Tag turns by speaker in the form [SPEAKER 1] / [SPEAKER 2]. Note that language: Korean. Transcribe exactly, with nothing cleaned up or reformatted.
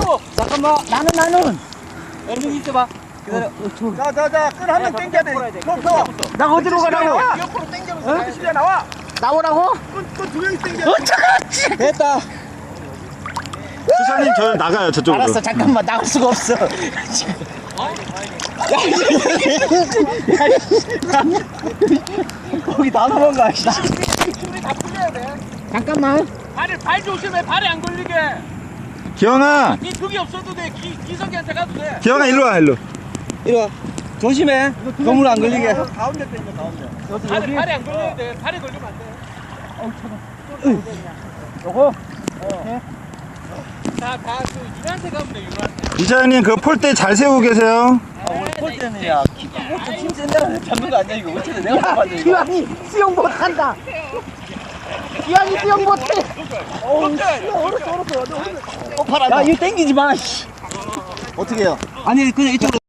[SPEAKER 1] 잠깐만. 나는 나는. 여기 있어봐. 기다려.
[SPEAKER 2] 자, 자, 자, 끈 한 명 당겨야 돼. 서,
[SPEAKER 1] 나 어디로 가라고?
[SPEAKER 2] 옆으로 당겨면서 같이 실려 나와.
[SPEAKER 1] 나오라고?
[SPEAKER 2] 끈, 끈 두 명이 당겨.
[SPEAKER 1] 어쩌지? 됐다.
[SPEAKER 3] 수사님 저 나가요 저쪽으로.
[SPEAKER 1] 알았어. 잠깐만 나갈 수가 없어. 거기 다 도망가.
[SPEAKER 2] 줄이 다 풀려야 돼.
[SPEAKER 1] 잠깐만.
[SPEAKER 2] 발을 발 조심해. 발에 안 걸리게.
[SPEAKER 3] 기영아,
[SPEAKER 2] 이 벽이 없어도 돼. 기, 기석이한테 가도 돼.
[SPEAKER 3] 기영아 일로 와 일로.
[SPEAKER 1] 이리 와. 조심해. 건물 안 걸리게.
[SPEAKER 2] 가운데 당겨, 가운데. 발에, 발에 안 걸려야 돼. 발에 걸리면 안 돼.
[SPEAKER 1] 요거.
[SPEAKER 2] 다, 다, 그, 윤한테 가면 돼, 윤한테.
[SPEAKER 3] 이사장님 그 폴대 잘 세우고 계세요.
[SPEAKER 1] 아, 원래 볼 때는 야, 키 크고 힘센 데는 잡는 거 아니야 이거. 어떻게 내가 잡아야 돼? 기왕이 수영 못한다. 기왕이 수영 못해. 어우, 얼었어, 얼었어. 어, 팔아. 야, 이거 땡기지 마. 어떻게 해요? 아니, 그냥 이쪽으로.